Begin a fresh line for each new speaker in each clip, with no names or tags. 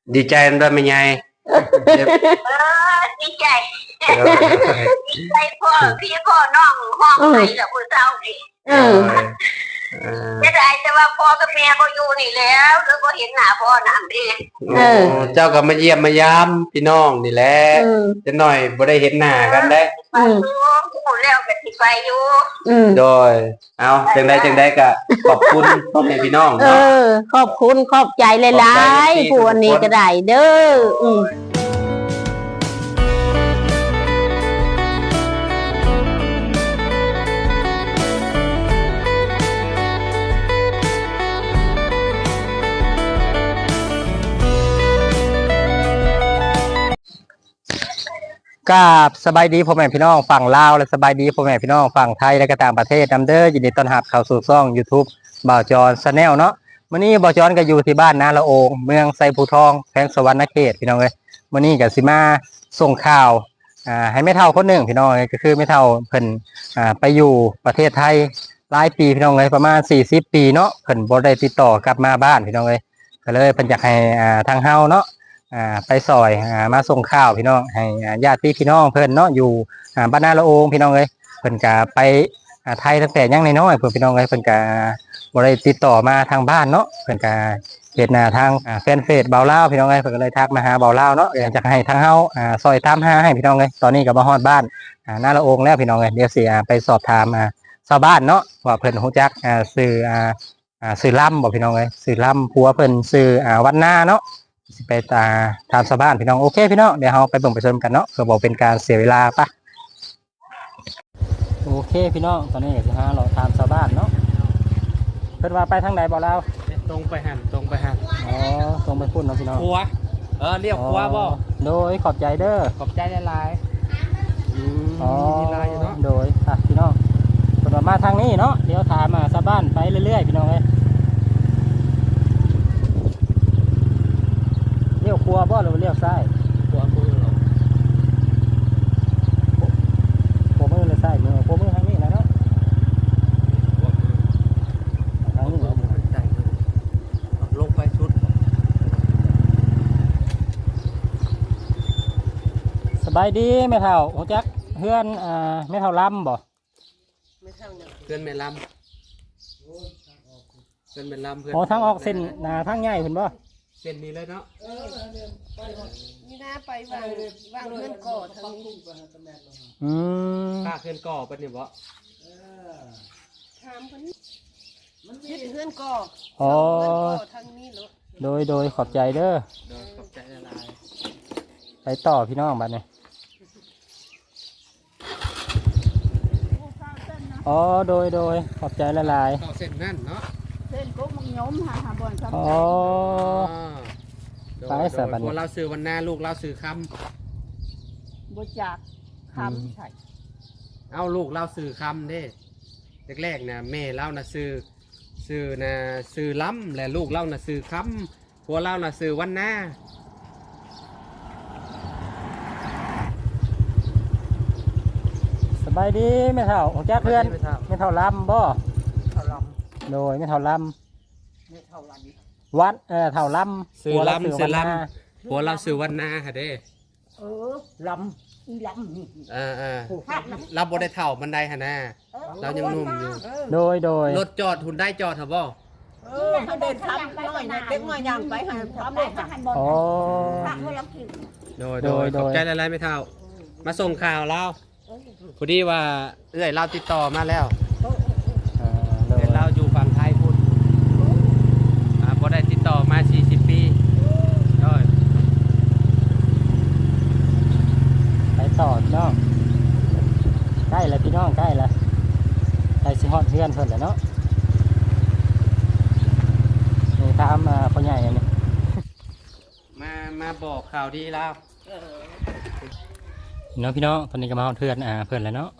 ดีใจด้วยไม่ไง
ดีใจดีใจพ่อพี่พ่อน้องห้องไหนกับคุณเจ้าดิจะได้แต่ว่าพ่อกับแม่ก็อยู่นี่แล้วหรือก็เห็นหน้าพ่อหน้าแม่
เจ้าก็มาเยี่ยมมายามพี่น้องนี่แหละจะหน่อยบ่ได้เห็นหน้ากันได้
พูดแล้วก็สิไปอยู่
โดยเอาจังได้ก็ขอบคุณพ่อแม่พี่น้องเนาะ
ขอบคุณขอบใจหลายๆผู้อันนี้ก็ได้เด้อ
กับสบายดีพ่อแม่พี่น้องฝั่งลาวและสบายดีพ่อแม่พี่น้องฝั่งไทยและก็ต่างประเทศนำเด้อยินดีต้อนรับเข้าสู่ช่อง YouTube บ่าวจอนชาแนลเนาะมื้อนี้บ่าวจอนก็อยู่ที่บ้านนาละโองเมืองไซภูทองแขวงสวรรณเขตพี่น้องเอ้ยมื้อนี้ก็สิมาส่งข่าวให้แม่เฒ่าคนหนึ่งพี่น้องก็คือแม่เฒ่าเพิ่นไปอยู่ประเทศไทยหลายปีพี่น้องเอ้ยประมาณ40ปีเนาะเพิ่นบ่ได้ติดต่อกลับมาบ้านพี่น้องเอ้ยก็เลยเพิ่นอยากให้ทางเฮาเนาะไปซอยมาส่งข้าวพี่น้องให้ญาติพี่น้องเพิ่นเนาะอยู่บ้านนาละโองพี่น้องเอ้ยเพิ่นก็ไปไทยตั้งแต่ยังน้อยๆเพิ่นพี่น้องเอ้ยเพิ่นก็บ่ได้ติดต่อมาทางบ้านเนาะเพิ่นก็เฮ็ดหน้าทางแฟนเฟซเบาลาวพี่น้องเอ้ยเพิ่นก็เลยทักมาหาเบาลาวเนาะอยากจะให้ทางเฮาซอยตามหาให้พี่น้องเอ้ยตอนนี้ก็มาฮอดบ้านนาละโองแล้วพี่น้องเอ้ยเดี๋ยวสิไปสอบถามชาวบ้านเนาะว่าเพิ่นฮู้จักชื่อลำบ่พี่น้องเอ้ยชื่อลำผัวเพิ่นชื่อวันนาเนาะไปตามชาวบ้านพี่น้องโอเคพี่น้องเดี๋ยวเราไปเบิ่งไปชมกันเนาะเพื่อบอกเป็นการเสียเวลาปะโอเคพี่น้องตอนนี้ก็เราตามชาวบ้านเนาะเพิ่นว่าไปทางไหนบอกเรา
ตรงไปหัน
อ๋อตรงไปพุ่นเนาะพี่น้อง
ครัวเรียกครัวบ่
โดยขอบใจเด้อ
ขอบใจหลาย
อ๋อโดยพี่น้องเพิ่นว่ามาทางนี้เนาะเดี๋ยวถามชาวบ้านไปเรื่อยๆพี่น้องเอ้ยเลี้ยวขวาบ่หรือเลี้ยวซ้าย
ขวามือเหรอ
ขวามือหรือซ้ายมือขวามือทางนี้นะเนาะทางนี้
ลงไปชุด
สบายดีแม่เฒ่าโอ้จักเพื่อนแม่เฒ่าลำบ่
เพื่อนแม่ลำเพื่อน
อ๋อทางออกเส้นทางใหญ่เพิ่นบ่
เส้นนี้เลยเนาะ
นี่นะไปวางเพื่อนก่อทางนี้
ค่าเพื่อนก่อเป็นนี่บ่
ถามคนนี้มันยึดเพื่อนก่อทางนี้เหร
อโดยขอบใจเด้อ
ขอบใจละลาย
ไปต่อพี่น้องบัดนี้อ๋อโดยขอบใจละลาย
ต่อเส้นนั่นเนาะ
เส้นกุ๊กมังยมหาบ่อนครับ
อ๋อไปสบัน
เราซื้อวันหน้าลูกเราซื้อค
ำบจากคำใช่
เอาลูกเราซื้อคำเด้แรกๆนะแม่เรานะซื้อล้ำและลูกเรานะซื้อคำผัวเรานะซื้อวันหน้า
สบายดีแม่เฒ่าของแจ๊คเพื่อนแม่เฒ่าลำบ่โดยแม่เฒ่าลำวัดเฒ่าลำ
ซื้อลำผัวเราซื้อวันหน้าค่ะเด้
ลำอีลำ
เราบ่ได้เฒ่ามันได้ฮะนะเรายังหนุ่มอยู่
โดย
รถจอดหุ่นได้จอดเหรอบ่
เขาเดินทำน้อยเด็กน้อยย่างไปหันทำเลยค่ะ
อ๋อ
โดยขอบใจอะไรไม่เฒ่ามาส่งข่าวเราพอดีว่าเราติดต่อมาแล้วเราอยู่ฝั่งไทยพูดพอได้ติดต่อมา40 ปี
ไปต่อพี่น้องใกล้แล้วพี่น้องใกล้แล้วไปสิฮอดเพื่อนเพิ่นแล้วเนาะนี่ตามพ่อใหญ่อันนี้
มาบอกข่าวดีแล้ว
น้องพี่น้องตอนนี้ก็มาฮอดเพื่อนเพื่อนแล้วเนาะ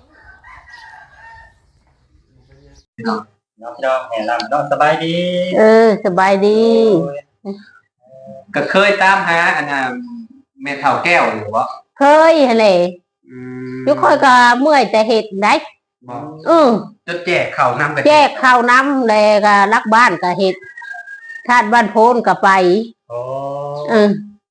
น้องพี่น้องแห่ลำน้องสบายดี
สบายดี
ก็เคยตามหาแม่เฒ่าแก้วหรือวะ
เคยอะไรยุคอยก็เมื่อยแต่เห็ดได้
จะแจกข้าวน้ำกัน
แจกข้าวน้ำเลยก็รักบ้านก็เห็ดธาตุบ้านโพนก็ไป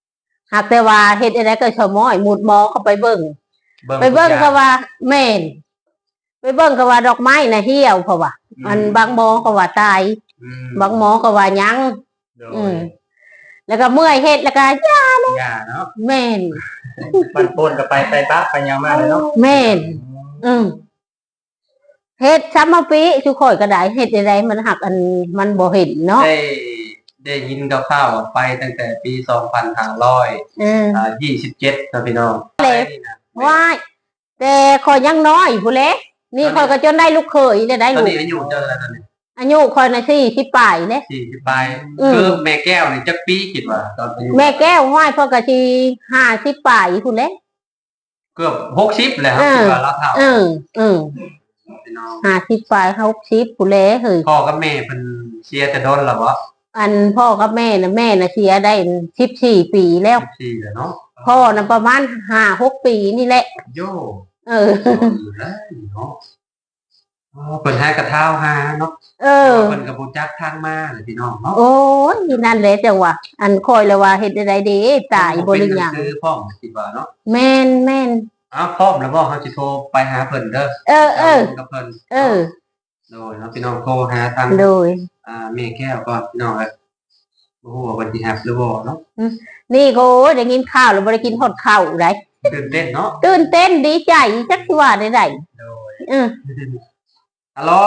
หากแต่ว่าเฮ็ดอะไรก็ชะม้อยหมุดหมอเข้าไปเบิ่งไปเบิ่ง
ทุ
ก็
อย่
ว่าแม่นไปเบิ่งก็ว่าดอกไม้น่ะเหี่ยวเพราะว่าอันบางหมอก็ว่าตาย
อืม
บางหมอก็ว่ายัง
โด
อื
ย
มแล้วก็เมื่อยเฮ็ดแล้วก็ย่า
ย่าเนาะ
แม่น
มันปนกับไปปั๊บไปยังมาเลยเนาะ
แม่น อืมเฮ็ดซ้ำมาปีทุกคนก็ได้เฮ็ดอะไรมันหักอันมันบ่เห็นเนาะ
ได้ยินกับข้าวๆไปตั้งแต่ปี2527
อืม
ครับพี่น้อง
ว้ายแต่คอยยังน้อยผู้เล็กนี่คอยก็จนได้ลูกเขยได้
ตอน
ลูก
นี้อายุเท่าไหร่ตอนนี้
อายุคอยน่ะ40ปลายเด้
40ปลาย
อืม
คือแม่แก้วนี่จักปีคิดว่าตอนอายุ
แม่แก้วห้อยพ่อกะที50ปลายผู้เล็ก
เกือบ60แล้วครับคิดว่าเราเฒ่า
อืม
พี่น้อง
50ปลาย60ผู้เล็กเฮ้ย
พ่อกับแม่เพิ่นเสียแต่โดนแล้วบ่
อันพ่อกับแม่น่ะเสียได้14ปีแล้ว
14แล้วเนาะ
พ่อน่ะประมาณ5-6ปีนี่แหละ
โย
เออ
อยู่แล้วเนาะอ๋อเพิ่นหากระเท้าหาเนาะ
เออ
เพิ่นก็บ่จักทางมาเลยพี่น้องเนาะ
โอ้ยนั่นแหละจังหวะอันคอยเลยว่าเฮ็ดได้ดีตายบ่หรือยัง
คือพร้อมคิดว่าเนาะ
แม่น
อ้าวพร้อมแล้วบ่เฮาสิโทรไปหาเพิ่นเด้อ
เออ
กับเพิ่น
เออ
โดยเนาะพี่น้องโทรหาทาง
โดย
แม่แก้วก่อนพี่น้องเอ้ยบ่ฮู้ว่าเพิ่นสิรับหรือบ่เนาะ
นี่ก็โอ้ยได้กินข้าวแล้วบ่ได้กินฮอดข้าวได้
ตื่นเต้นเนาะ
ตื่นเต้นดีใจจักสิว่าได้
โดย
เออ
ฮัลโหล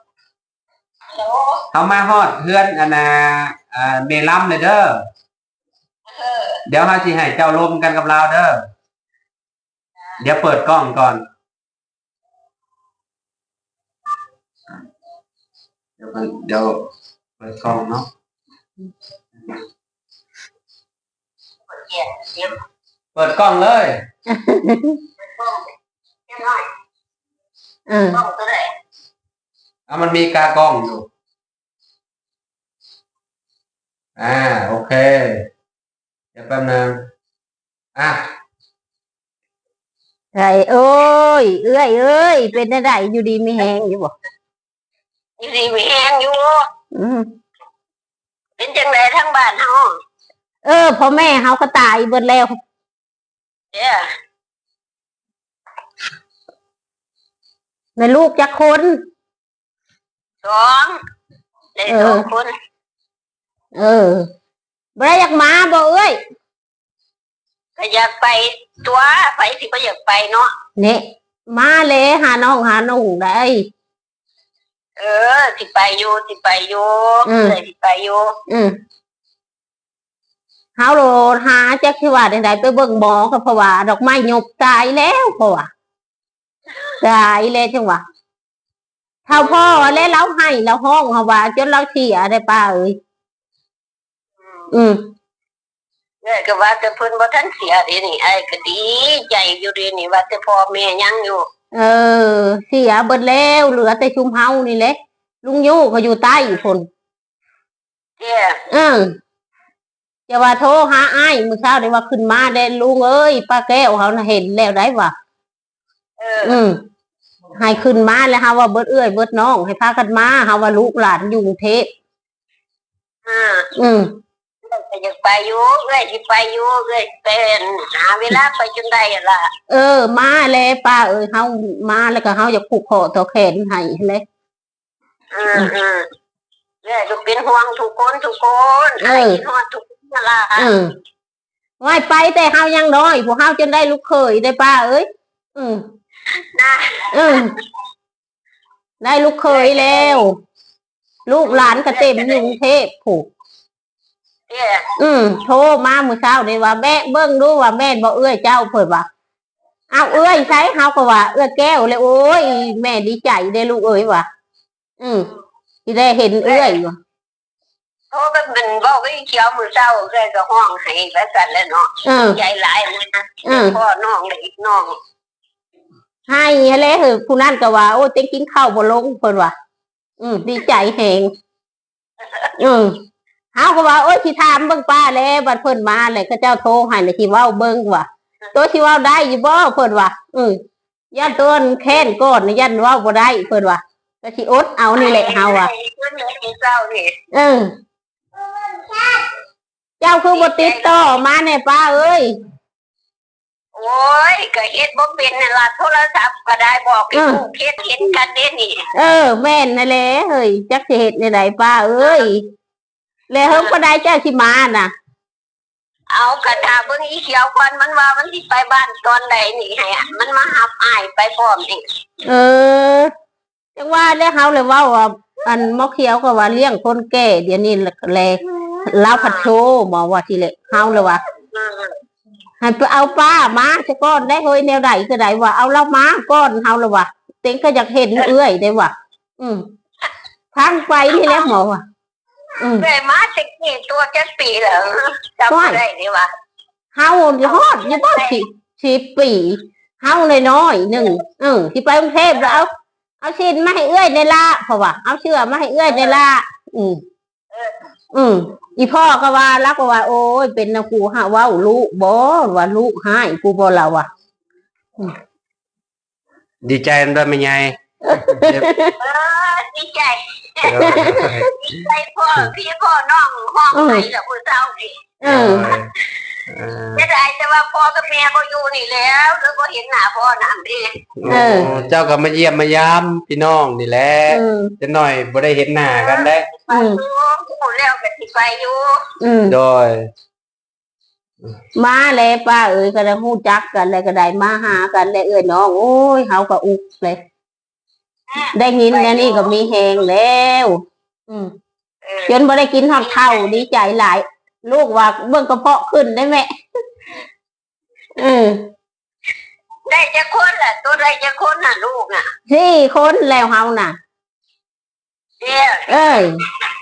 เขามาฮอดเฮือนอันน่ะเมลัมเลยเด้อเดี๋ยวเฮาสิให้เจ้าลมกันกับเราเด้อเดี๋ยวเปิดกล้องก่อนเดี๋ยวเปิดกล้องเนาะเปิดกล้องเลย
เออ
มันมีกากล้องอยู่โอเคเดี๋ยวแป๊บนึงอ่ะ
ไอ้เอ้ยเอ้ยเป็นได้อยู่ดีมีแฮงอยู่บ่
อยู่ดีมีแห้งอยู่
อืม
เป็นจังไดทั้งบ้านเฮา
พ่อแม่เฮาก็ตายเบิดแล้ว
เด้อ
ในลูกจักคน
สองได้สองคน
บ่ได้อยากมาบ่เอ้ย
ก็อยากไปตัวไปสิบ่อยากไปเนาะ
เนี่ยมาเลยหาน้องได้
สิไปอยู่สิไปอยู่
อืม
เลยสิไปอยู่
เฮาโลดหาจักสิว่าได้ไปเบิ่งหมอก็เพราะว่าดอกไม้หยบตายแล้วเพราะว่าตายแล้วจังหวะเท่าพ่อแล้วเราให้เราห้องเฮาว่าจนเราเสียได้ป้าเอ้ยอืม
เนี่ยก็ว่าแต่เพิ่นบ่ทันเสียเดินี่ไอ้ก็ดีใจอยู่เดินี่ว่าแต่พ่อแม่ยังอยู่
เสียเบิดแล้วเหลือแต่ชุมเฮานี่แหละลุงยู่เขาอยู่ใต้อีกคน
เด้อ
จะว่าโทรหาอ้ายมื้อเช้าได้ว่าขึ้นมาได้ลุงเอ้ยป้าแก้วเขาน่ะเห็นแล้วได้ว่า ให้ขึ้นมาแล้วฮะว่าเบิดเอื้อยเบิดน้องให้พากันมาฮะว่าลูกหลานอยู่กรุงเทพ อืม
ก็อยากไปอยู่สิไปอยู่เป็นหาเวลาไปจนได้ล่ะ
มาเลยป้าเอ้ยเฮามาแล้วก็เฮาอยากผูกคอต่อแขนให้เลย
เนี่ยก็เป็นห่วงทุกคนไอ้คิดฮอดทุกคนนั่นล่ะ
ไว้ไปแต่เฮายังน้อยพวกเฮาจนได้ลูกเขยได้ป้าเอ้ย
นะ
ได้ลูกเขยแล้ว ลูกหลานก็เต็มอยู่กรุงเทพผูก
เนี่ย
โทรมามื้อเช้านี่ว่าแม่เบิ่งดูว่าแม่นบ่เอื้อยเจ้าเพิ่นว่าเอาเอื้อยใช้เฮาก็ว่าเอื้อยแก้วเลยโอ้ยแม่ดีใจได้ลูกเอ้ยว่ะที่ได้เห็นเอื้อยว่ะ
โทรก็เป็นเว้ากับอีเขียวมื้อเช้าเลยก็ห้องให้แล้วกันแล้วเนาะใจหลายมื้อนะพ่อน้องเด็กน้อง
ให้แล้วเหอะผู้นั้นก็ว่าโอ้ยเต็งกินข้าวบ่ลงเพิ่นว่าดีใจแฮงเฮาก็ว่าโอ้ยสิถามเบิ่งป้าแล้วบัดเพิ่นมาแล้วเขาเจ้าโทรให้แล้วสิเว้าเบิ่งว่าตัวสิเว้าได้อยู่บ่เพิ่นว่าย่านต้นแค้นก้อนย่านเว้าบ่ได้เพิ่นว่าก็สิอดเอานี่แหละเฮาอ่ะ
เพิ่นเลยเศร้านี่
เจ้าคือบ่ติดต่อมาเนี่ยป้าเอ้ย
โอ้ยก็เฮ็ดบ่เป็นนั่นล่ะโทรศัพท์ก็ได้บอกให้ลูกเฮ็ดเห็นกันเด้นี่
แม่นนั่นแหละเฮ้ยจักสิเฮ็ดในใดป้าเอ้ยแล้วเฮิงบ่ได้เจ้าสิมาน่ะ
เอากระถาเบิ่งอีเขียวก่อนมันว่ามันสิไปบ้านตอนใดนี่ให้อะมันมาหับอ้ายไปพร้อมนี่
จังว่าแล้วเฮาเลยเว้าว่าอันมอเขียวก็ว่าเลี้ยงคนแก่เดี๋ยวนี้แลลาวผัดโชบอกว่าทีแหละเฮาเลยว่า
อืม
ให้ไปเอาป้ามาซะก่อนได้เฮ้ยแนวใดก็ได้ว่าเอาเรามาก่อนเฮาเลยว่าเต็งก็อยากเห็นเอื้อยได้ว่าทางไปนี่แหละหมอว่ะ
เลยมาสิกี่ตัวจักปีแล้วจำบ่ได้นี่ว่า
เฮาฮอดอยู่บ่10 ปีเฮาน้อยๆหนึ่งที่ไปกรุงเทพแล้วเอาชิ้นมาให้เอื้อยในละเพราะว่าเอาเชื่อมาให้เอื้อยในละอีพ่อก็ว่ารักก็ว่าโอ้ยเป็นนะกูหาว่าลูกบ่ว่าลูกให้กูบ่เราอ่ะ
ดีใจนำด้วยแม่ใหญ่
ดีใจดีใจพ่อพี่พ่อน้องห้องไหนล่ะผู้เฒ่านี่จะได้แต่ว่าพ่อกับแม่บ่อยู่นี่แล้วแล้วก็เห็นหน้าพ่อนำดิ
เจ้าก็มาเยี่ยมมายามพี่น้องนี่แหละจะหน่อยบ่ได้เห็นหน้ากันได้
แล้วก็สิไปอยู่
โดย
มาแล้วป้าเอ้ยก็ได้ฮู้จักกันแล้วก็ได้มาหากันแล้วเอ้ยน้องโอ้ยเฮาก็อุกเลยได้ยินแล้วนี่ก็มีแฮงแล้วจนบ่ได้กินฮอดข้าวดีใจหลายลูกว่าเบิ่งกระเพาะขึ้นได้แม่
ได้จะคนล่ะตัวได้จะคนน่ะลูกน่ะ
4 คนแล้วเฮาน่ะเอ้ย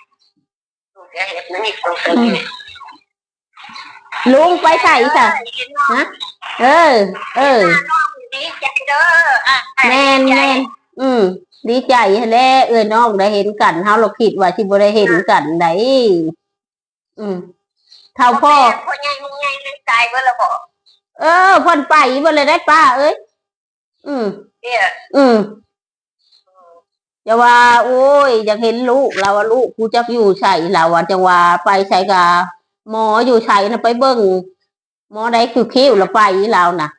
ลุงไปใส่ซะฮะ
ดีใจเด้อ
แม่นดีใจแล้วเอ้ยน้องได้เห็นกันเฮาเราคิดว่าสิบ่ได้เห็นกันได้เท่าพ่อ
ใหญ่มึงใหญ่เลยตายเบ่ล่ะบ่
เพิ่นไปบ่เลยได้ป้าเอ้ยจะว่าโอ้ยอยากเห็นลูกเราว่าลูกกูจักอยู่ใส่เราว่าจังว่าไปใส่กับหมออยู่ใส่นะไปเบิ่งหมอได้คือคิ้วเราไปเราน่ะ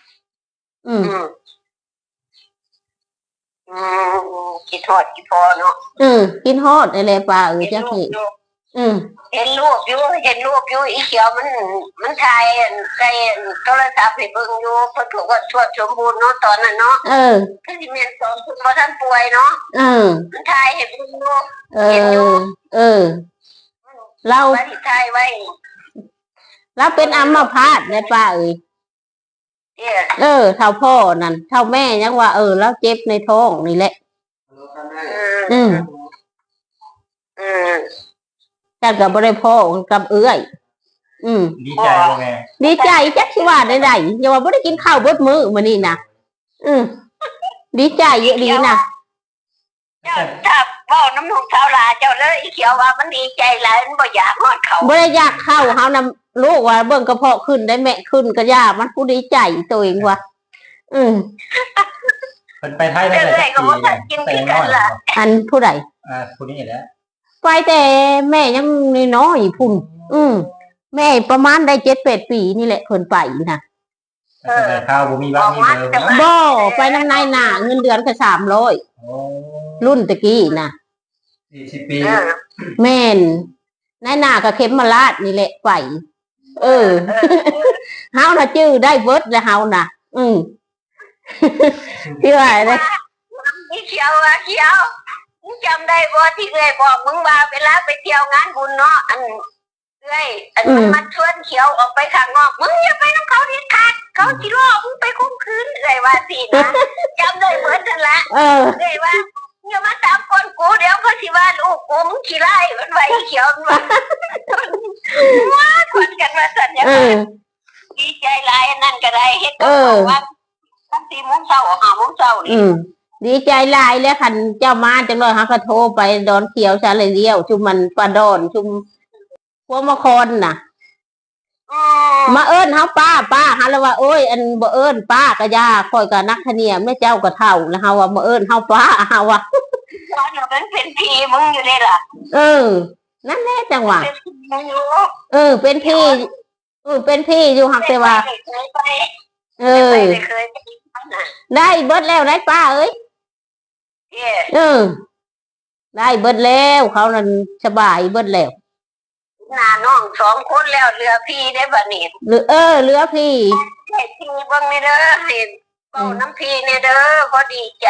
คิดฮอดคิดพอเนาะ
คิดฮอดอะไรป้าจักนี่
เห็นรูปอยู่อีเขียวมันถ่ายใส่โทรศัพท์ให้เบิ่งอยู่เพิ่นบอกว่าทวดสมบูรณ์เนาะตอนนั้นเนาะคือสิแม่นตอนเพิ่นบ่ทันป่วยเนาะมันถ่ายให้เบิ่งอยู่เห็นอยู่
เรา
ถ่ายไว้
เราเป็นอัมพาตได้ป้าเท่าพ่อนั่นเท่าแม่ยังว่าแล้วเจ็บในท้องนี่แหละกันกับบริพ่อกับเอื้อย
ดีใจแม่
ดีใจจักสิว่าได้อย่าว่าบ่ได้กินข้าวเบิดมื้อมื้อนี้นะดีใจเยอะดีนะ
เจ้าถ้าเว้าน้ำลูกสาวหลาเจ้าเลยอีเขียวว่ามันดีใจหลายมันบ่อยากฮอดเขา
บ่ได้อยากเข้าเฮานำลูกว่าเบิ่งกระเพาะขึ้นได้แม่ขึ้นก็ย่ามันผู้ดีใจตัวเองว่ะ
เพิ่นไปไทยได้
เลยก็บ่ทันกินกันล่ะ
อันผู้ใด
ผู้นี้แหละ
ไปแต่แม่ยังน้อยๆพุ่นแม่ประมาณได้7-8 ปีนี่แหละเพิ่นไปนะ
ข้าวบ่มีบ้างมีเบอร์
บ่ไปนำนายหน้าเงินเดือนแค่300รุ่นตะกี้น่ะ
40 ปี
แม่นนายหน้าก็เข็มมาลาดนี่แหละไปเฮาน่ะชื่อได้เบิดแล้วเฮาน่ะที่ว่าได้
เขียวมึงจำได้บ่ที่เคยบอกมึงว่าเวลาไปเที่ยวงานบุญเนาะอันมันชวนเขียวออกไปข้างนอกมึงอย่าไปน้ำเขาดิขาดเขาสิล่อมึงไปข่มขืนเลยว่าสินะจำได้เหมือนกันละเลยว่าอย่ามาตามคนกูเดี๋ยวเขาสิว่าลูกกูมึงขี้ไล่มันไว้เขียวมันว่าคนกันมาสั่นอย่างนั้นดีใจหลายนั่นก็ได้เฮ็ดก็ว่า4 โมงเช้า5 โมงเช้านี่
ดีใจหลายแล้วคันเจ้ามาจังเลยฮะก็โทรไปดอนเขียวซะเลยเดียวชุมมันปลาดอนชุมพวกมะคอนน่ะมาเอิ้นเฮาป้าฮะแล้วว่าโอ้ยอันบ่เอิ้นป้าก็ย่าค่อยก็นักทะเนียแม่เจ้าก็เฒ่าแล้วเฮาว่าบ่เอิ้นเฮาป้าเฮาว่า
ตอนนั้นเป็นพี่มึงอยู่นี่ล่ะ
นั่นแหละจังหวะ
เป็นพี่อยู่
เป็นพี่เป็นพี่อยู่หักแต่ว่า
เคยไป
เอ
เค
อ
ยไปน่ะ
ได้เบิดแล้วได้ป้าเอ้ย
เย่
ได้เบิดแล้วเขานั่นสบายเบิดแล้ว
หน้าน้อง2 คนแล้วเหลือพี่ได้บัดนี้
เหลือพี่
ให้พี่เบิ่งนี่เด้อให้เว้าน้ำพี่นี่เด้อบ่ดีใจ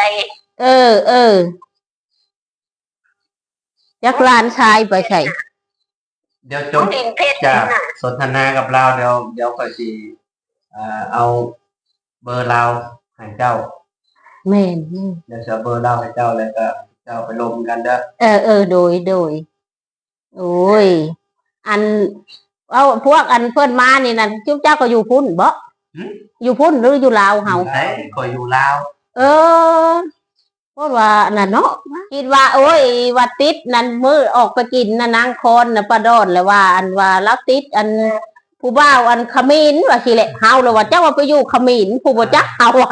ยักหลานชายไปใส่
เดี๋ยวจ
น้อง
บ
ดินเพชร
จาก
น่ะ
สนทนากับเราเดี๋ยวค่อยสิเอาเบอร์เราให้เจ้า
แม่น
เดี๋ยวจะเอาเบอร์เราให้เจ้าแล้วก็เจ้าไปลงกันเด้อ
โดยโอ้ยอันเอาพวกอันเพื่อนมานี่นั่นจุ๊บเจ้าก็อยู่พุ่นบ่อยู่พุ่นหรืออยู่ลาวเฮา
ไหนคอยอยู่ลาว
เพราะว่าน่ะเนาะคิดว่าโอ้ยว่าติดนั่นมื้อออกไปกินน่ะนางคอนน่ะปลาดอนแล้วว่า อันว่าแล้วติดอันผู้บ่าวอันขมิ้นว่าสิแหละเฮาแล้วว่าเจ้าว่าไปอยู่ขมิ้นผู้บ่จักเฮาอ่ะ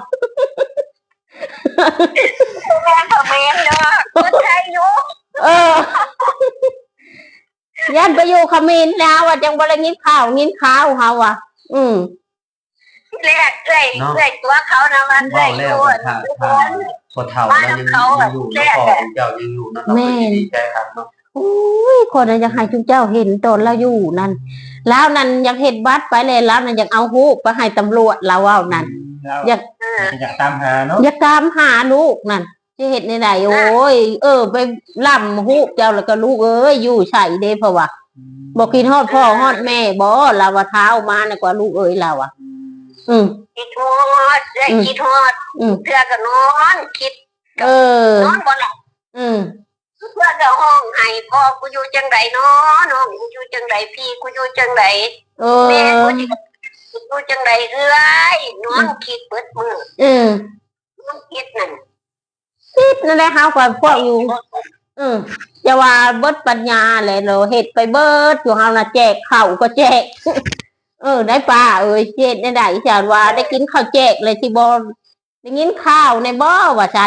แม่ก็แม่นเด้อคนไทยอยู่
ยันไปอยู่ขมิ้นแล้วว่าจังบ่ได้กินข้าวเฮาอ่ะ
แรกเอ้ยตัวเขานะมันเอ้
ว่าย แล้ว
ตัว
ถ้าพอเฒ่าแล้วยังอยู่แล้วพ่อของเจ้ายังอยู่เนาะเราก็ดีใจครับเนาะ
โอ้ยคนน่ะอยากให้จุ๊เจ้าเห็นตอนเราอยู่นั่นแล้วนั่นอยากเห็นบัตรไปเลยแล้วนั่นอยากเอาฮูกไปให้ตำรวจเราเอานั่น อยาก
อยากตามหาเนาะ
อยากตามหาลูกนั่นจะเห็นในไหนโอ้ยไปล่ำฮูกเจ้าแล้วก็ลูกเอ้ยอยู่ใส่เด้เพราะว่าบอกกินฮอดพ่อฮอดแม่บ่เราว่าเท้ามาน่ะกว่าลูกเอ้ยเราอ่ะ
คิดฮอดได้คิดฮอดเพื่อก็นอนคิด
เออน
อนบ่หลับ เพื่อก็ห้องให้พ่อกูอยู่จังไดเนาะน้องกูอยู่จังไดพี่กูอยู่จังได แม่กูสิอยู่จังไดเอ้ยนอนคิดเบิดมื้อนอนคิดนั่น
นั่นแหละเฮาก็พวกอยู่อย่าว่าเบิดปัญญาแหละเราเฮ็ดไปเบิดอยู่เฮาน่ะแจกข้าวก็แจก ได้ป้าเอ้ยเฮ็ดได้ฉันว่าได้กินข้าวแจกเลยสิบ่ได้กินข้าวในบ่ว่าฉัน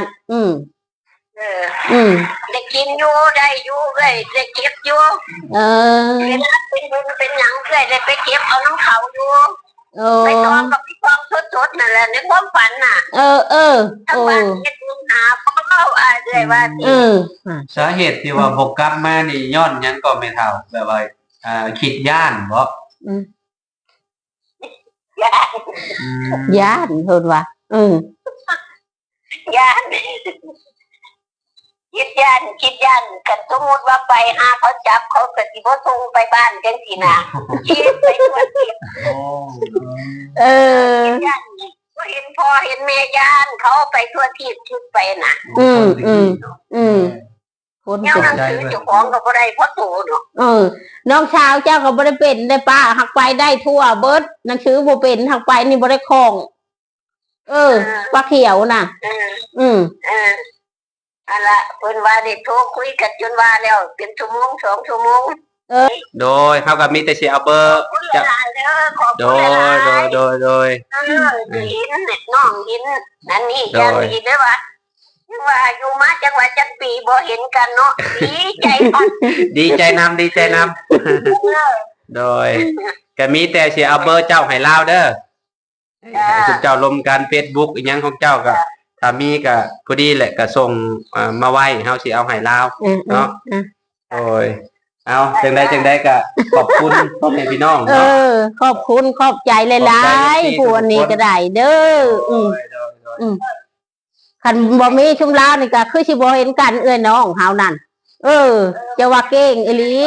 ได้กินอยู่ได้อยู่เอ้ยได้เก็บอยู่เป็นบุญเป็นหยังเอ้ยได้ไปเก็บเอาน้ำเขาอยู่ไปตองกับพี่ตองสดๆนั่นแหละในความฝันน่ะทั้งบ้านเฮ็ดบุญหาพ่อเขาเอ้ยว่าสิ
สาเหตุที่ว่าบ่กลับมานี่ย้อนหยังก็ไม่เท่าแบบว่าคิดย่านบ่
ย่านเพิ่นว่า
ย่านคิดย่านกันสมมติว่าไปหาเขาจับเขาก็สิบ่ส่งไปบ้านจังซี่นะคิดไปทั่วทิศย่านก็เห็นพ่อเห็นแม่ย่านเขาไปทั่วทิศคิดไปน่ะ
คน
แนวหนังสือเจ้าของก็บ่ได้เพราะโตเนาะ
น้องชาวเจ้าก็บ่ได้เป็นได้ป้าหักไปได้ทั่วเบิดหนังสือบ่เป็นหักไปนี่บ่ได้คล่องปลาเขียวน่ะ
อันละเพิ่นว่าได้โทรคุยกันจนว่าแล้วเป็นชั่วโมง2 ชั่วโมง
โดยเฮาก็มีแต่สิเอาเบอร์จะโดย
หินน้องหินนั่นนี่อย่างนี้เด้อว่าว่าอยู่มาจังหวัดจังปีบ่เห็นกันเนาะดีใจก่อน
ดีใจนำโดยก็มีแต่สิเอาเบอร์เจ้าให้ลาวเด้อให้ทุกเจ้าลมกัน Facebook อีหยังของเจ้าก็ถ้ามีก็พอดีแหละก็ส่งมาไว้เฮาสิเอาให้ลาวเนาะโอ้ยเอาจังได๋ก็ขอบคุณพ่อแม่พี่น้องเนาะ
ขอบคุณขอบใจหลายๆผู้อันนี้ก็ได้เด้อคันบ่มีชุมลาวนี่ก็คือสิบ่เห็นกันเอื้อยน้องเฮานั่นจะว่าเก่งอีหลี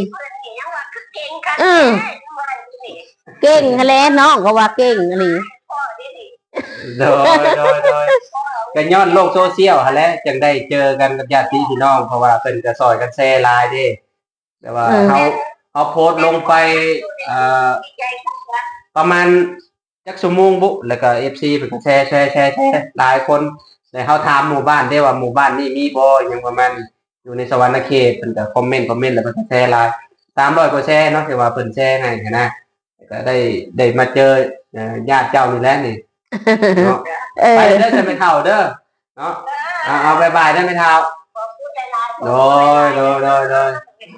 เก่งแท้น้องก็ว่าเก่งอีหลี
โดยก็ย้อนโลกโซเชียลหั่นแหละจังได้เจอกันกับญาติพี่น้องเพราะว่าเพิ่นก็ซอยกันแชร์ไลน์เด้แต่ว่าเฮาโพสต์ลงไปประมาณจักชั่วโมงบุแล้วก็ FC เพิ่นก็แชร์หลายคนแต่เฮาถามหมู่บ้านได้ว่าหมู่บ้านนี้มีบ่หยังประมาณอยู่ในสวรรณเขตเพิ่นก็คอมเมนต์แล้วเพิ่นก็แชร์หลาย300กว่าแชร์เนาะที่ว่าเพิ่นแชร์ให้นะก็ได้มาเจอญาติเจ้านี่แหละนี่เนาะไปเด้อจะไม่เท่าเด้อเนาะเอาบ๊ายบายได้ไม่เท่าโดย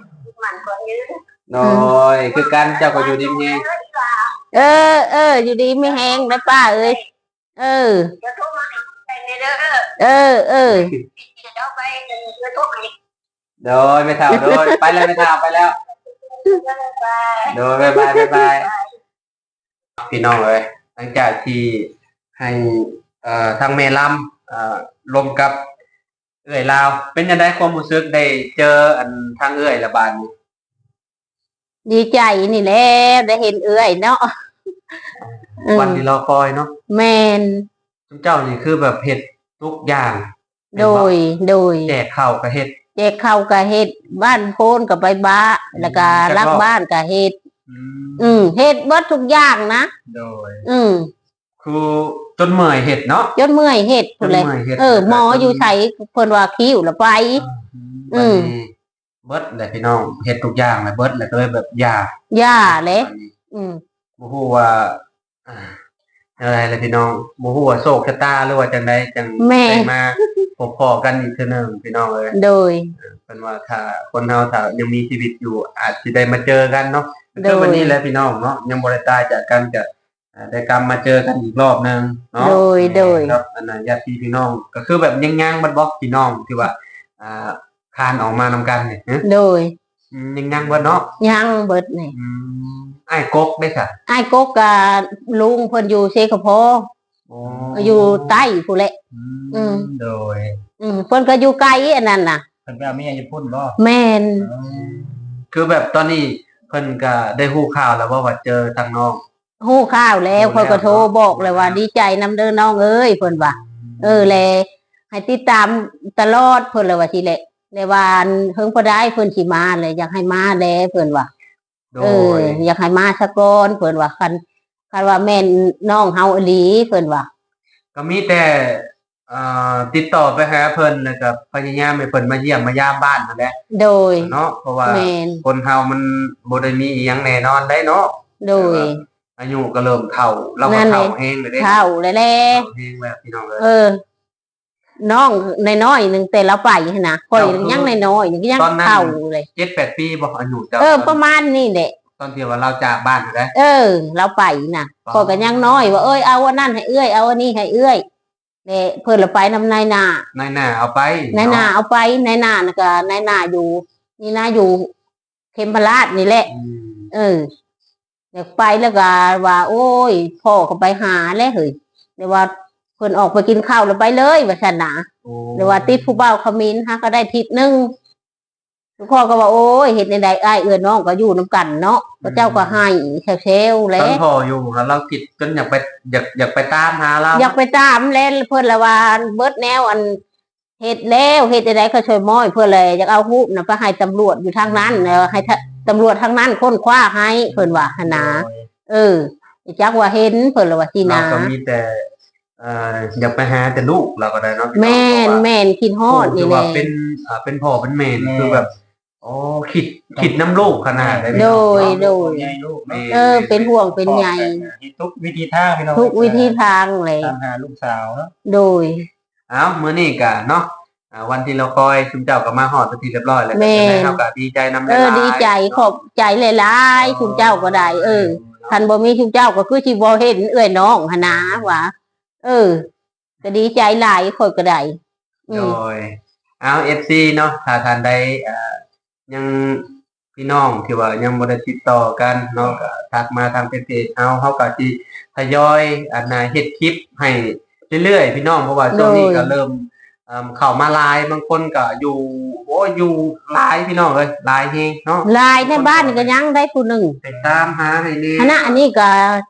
มันคนยืน
โดยคือกันเจ้าก็อยู่ดีมีแฮง
อยู่ดีไม่แห้งนะป้าเอ้ยเออ
จะโทรมาให้ในเด้อ
เออ
จะเอาไปจะโทรให้
โดยไม่เท่าโดยไปแล้วไม่เท่าไปแล้ว
ไป
โดยบ๊ายบายพี่น้องเอ้ยหลังจากที่ให้ทางเมลัมรวมกับเอื้อยลาวเป็นยังไงความรู้สึกได้เจออันทางเอื้อยละบาดนี้
ดีใจนี่แหละได้เห็นเอื้อยเนาะ
วันที่รอคอยเนาะ
แมน
ทุกเจ้านี่คือแบบเฮ็ดทุกอย่าง
โดย
แจกข้าวก็เฮ็ด
แจกข้าวกับเฮ็ดบ้านโพนกับใบบ้าแล้วก็รักบ้านกับเฮ็ด เฮ็ดเบิดทุกอย่างนะ
โดย
คือ
จนเมื่อยเฮ็ดเนาะ
จนเมื่อยเฮ็ดพุ่นเลย
จนเมื่อยเฮ็ด
หมออยู่ใส่เพิ่นว่าคิ้วแล้วไป
บัดนี้เบิดแหละพี่น้องเฮ็ดทุกอย่างเลยเบิดแล้วก็เลยแบบยาก
ย่าเลย
บ่ฮู้ว่าอะไรล่ะพี่น้องบ่ฮู้ว่าโชคชะตาหรือว่าจังไดจังได้มาพบพ้อกันอีกเทื่อนึงพี่น้องเอ้ย
โดย
เพิ่นว่าถ้าคนเฮาถ้ายังมีชีวิตอยู่อาจสิได้มาเจอกันเนาะ
โดย
คือวันนี้แหละพี่น้องเนาะยังบ่ได้ตายจากกันจะได้กลับมาเจอกันอีกรอบนึงเนาะ
โดย
ครับอันนั้นญาติพี่น้องก็คือแบบยังๆบัดบ่พี่น้องที่ว่าคานออกมานำกันนี่ฮะ
โดย
ยังเบิดเนาะ
ยังเบิดนี่
อ้ายกกได้ค่ะ
ไอ้กกกับลุงเพิ่นอยู่เซกะโพอยู่ใต้ผู้นแหละ
โดย
เพิ่นก็อยู่ไกลอันนั้นน่ะ
เพิ่นไปเอาเมียอยู่พุ่นบ่
แม่น
คือแบบตอนนี้เพิ่นก็ได้ฮู้ข่าวแล้วว่าเจอทางน้อง
ฮู้ข่าวแล้วเพิ่นก็โทรบอกเลยว่าดีใจนำเด้อน้องเอ้ยเพิ่นว่าแลให้ติดตามตลอดเพิ่นเลยว่าสิแหละในวันเพิ่งบ่ได้เพิ่นสิมาเลยอยากให้มาแลเพิ่นว่า
โดย
อยากให้มาซะก่อนเพิ่นว่าคันว่าแม่นน้องเฮาอีหลีเพิ่นว่า
ก็มีแต่ติดต่อไปหาเพิ่นแล้วก็พยายามให้เพิ่นมาเยี่ยมมายามบ้านนั่นแหละ
โดย
เนาะเพราะว่า
แม่น
คนเฮามันบ่ได้มีอีหยังแน่นอนได้เนาะ
โดย
อายุก็เริ่มเฒ่าเราก็เฒ่าแฮงเลยเด้
เท่าแล้วแหละ
เฒ่าแฮงแล้วพี่น้องเอ้ย
น้องน้อยๆหนึงแต่ละไปหั่นนะข่อยยังน้อยๆยังเท่าเลย
7-8 ปีบ่อายุเจ้า
ประมาณนี้แหละ
ตอนที่ว่าเราจากบ้านนั่นแหละ
เราไปน่ะข่อยก็ยังน้อยว่าเอาอันนั้นให้เอื้อยเอาอันนี้ให้เอื้อยแม่เพิ่นละไปนำนายนา
นายหน้าเอาไป
นายนาเอาไปนายนาน่ะก็นายนาอยู่ นี่นะอยู่เขมราชนี่แหละ อยากไปแล้วก็ว่า โอ้ยพ่อก็ไปหาแล้วเฮ้ยเดี๋ยวว่าเพิ่นออกไปกินข้าวแล้วไปเลยว่าซั่นนะเดี๋ยวว่าติดผู้บ่าวขมิ้นฮะก็ได้ทิศนึงทุกคนก็ว่าโอ้ยเฮ็ดในใดอ้ายเอื้อน้องก็อยู่นํกันเนาะพระเจ้าก็ให้เซลๆแล้
ตอน
ว
พ่ออยู่เราคิดจนอยากไปอยากไปตามหาเรา
อยากไปตามแล้วเพิ่นละว่าเบิดแนวอันเฮ็ดแล้วเฮ็ดได้ก็ช่วยม้อยเพื่อเลยอยากเอารูปน่ะไปให้ตำรวจอยู่ทางนั้นแล้วให้ตำรวจทางนั้นค้นคว้าให้เพิ่นว่าหั่นนะจักว่าเห็นเพิ่นละว่าสิ
เรา
นะ
ก็มีแต่อยากไปหาแต่ลูกเราก็ได้เนาะ
แม่นคิดฮอดนี่แห
ว่า
ละ
เป็นพ่อเป็นแม่นี่คือแบบอ๋อคิดน้ำลูกขนาดได้
โดย
ใหญ่ลูก
เป็นห่วงเป็นใย
ทุกวิธีทางพี่น้อง
ทุกวิธีทางเลย
ตามหาลูกสาวเนาะ
โดย
อ้าวมื้อนี้ก็เนาะวันที่เราคอยชุมเจ้าก็มาฮอดทีเรียบร้อยแล้ว
แม่
ก็เฮาก็ดีใจนำ
ดีใจขอบใจหลายๆคุณเจ้าก็ได้ท่านบ่มีคุณเจ้าก็คือสิบ่เห็นเอื้อยน้องหั่นนะว่าก็ดีใจหลายคนก็ได้
โดยเอา FC เนาะถ้าท่านใดยังพี่น้องที่ว่ายังบ่ได้ติดต่อกันเนาะก็ทักมาทางเพจเฮาก็สิทยอยเฮ็ดคลิปให้เรื่อยๆพี่น้องเพราะว่าช่วงนี้ก็เริ่มเข้ามาหลายบางคนก็อยู่หลายพี่น้องเอ้ยหลายแฮงเนาะ
ลายในบ้านนี่ก็ยังได้ผู้หนึ่ง
ไปตามหาให้แน่
คณะอันนี้ก็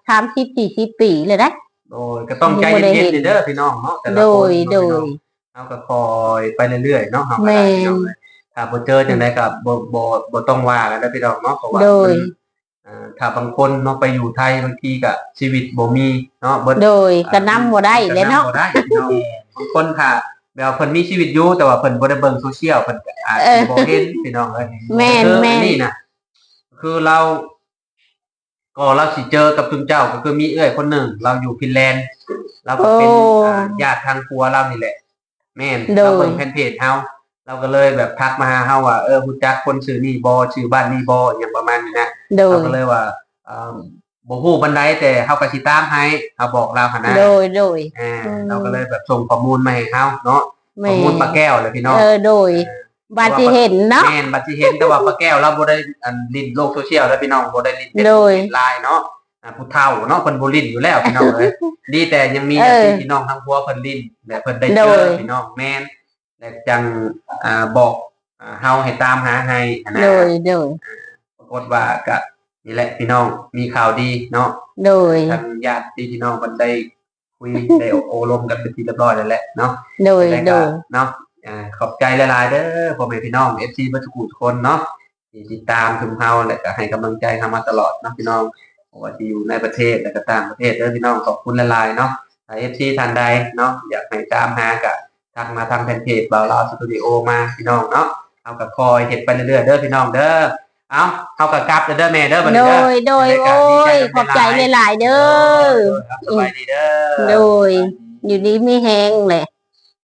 30-40 ปีเลยนะ
โดยก็ต้องใจเย็นๆเด้อพี่น้องเนาะแต่ละคน
โดย
เฮาก็คอยไปเรื่อยๆเนาะเฮาก็ได้พี่น้องเอ้ยถ้าบ่เจอจังได๋ก็บ่ต้องว่ากันนะพี่น้องเนาะเพราะว่า
โดย
ถ้าบางคนเนาะไปอยู่ไทยบางทีก็ชีวิตบ่มีเนาะเบิด
โดยก็นำบ่ได้เลยเนาะ
บ่ได้พี่น้องบางคนค่ะแบบเพิ่นมีชีวิตอยู่แต่ว่าเพิ่นบ่ได้เบิ่งโซเชียลเพิ่นก็อาจสิบ่เห็นพี่น้องเอ้ย
แม่น
คือ
แม่น
นี่น่ะคือเราสิเจอกับจุนเจ้าก็คือมีเอื้อยคนหนึ่งเราอยู่ฟินแลนด์เราก็เป็นญาติทางครัวเรานี่แหละแม่นเราเบิ่งแฟนเพจเฮาเราก็เลยแบบทักมาหาเฮาว่ารู้จักคนชื่อนี่บ่ชื่อบ้านนี่บ่อย่างประมาณนี้นะ
โด
เรา
ย
ก็เลยว่าบ่ฮู้ปานใดแต่เฮาก็สิตามให้เฮาบอกเราหั่นนะ
โดยโดย
เราก็เลยแบบส่งข้อมูลมาให้เฮาเนาะ
แม่
ข้อมูลปลาแก้วเลยพี่น้อง
โดยบาดที่เห็นเนาะ
แม่นบัดสิเห็นแต่ว่าปลาแก้วเราบ่ได้ลิ้นโลกโซเชียลแล้วพี่น้องบ่ได้ลิ้น
โดย
ไลน์เนาะผู้เฒ่าเนาะเพิ่นบ่ลิ้นอยู่แล้วพี่น้องเอ้ย ดีแต่ยังมีพี่น้องทั้งพัวเพิ่นลิ้นและเพิ่นได้เจอพี่น้องแม่นและจังบอกเฮาให้ตามหาให้นะ
โดยโดย
ปรากฏว่าก็นี่แหละพี่น้องมีข่าวดีเนาะ
โดย
ทางญาติพี่น้องมันได้คุย ได้โอลมกันเป็นที่เรียบร้อยแล้วแหละเนาะ
โดย
แล้ว
โด
ก็
ย
เนาะขอบใจหลายๆเด้อพ่อแม่พี่น้อง FC เบ่ทุกคนเนาะที่ติดตามถึงเฮาและก็ให้กำลังใจเฮามาตลอดเนาะพี่น้องบ่ว่าจะอยู่ในประเทศและก็ต่างประเทศเด้อพี่น้องขอบคุณหลายๆเนาะถ้า FC ท่านใดเนาะอยากให้ตามหาก็ทักมาทางแฟนเพจบ่าวลาวสตูดิโอมาพี่น้องเนาะเฮาก็คอยเฮ็ดไปเรื่อยๆเด้อพี่น้องเด้อเอาเฮาก็กลับเด้อแม่เด้อบัด
โด
นี้เด้อ
ยโดยโอ้ยขอบใจหลายๆเด้อ
สบายดีเด้อ
โดย อยู่ดีไม่แห้งเลย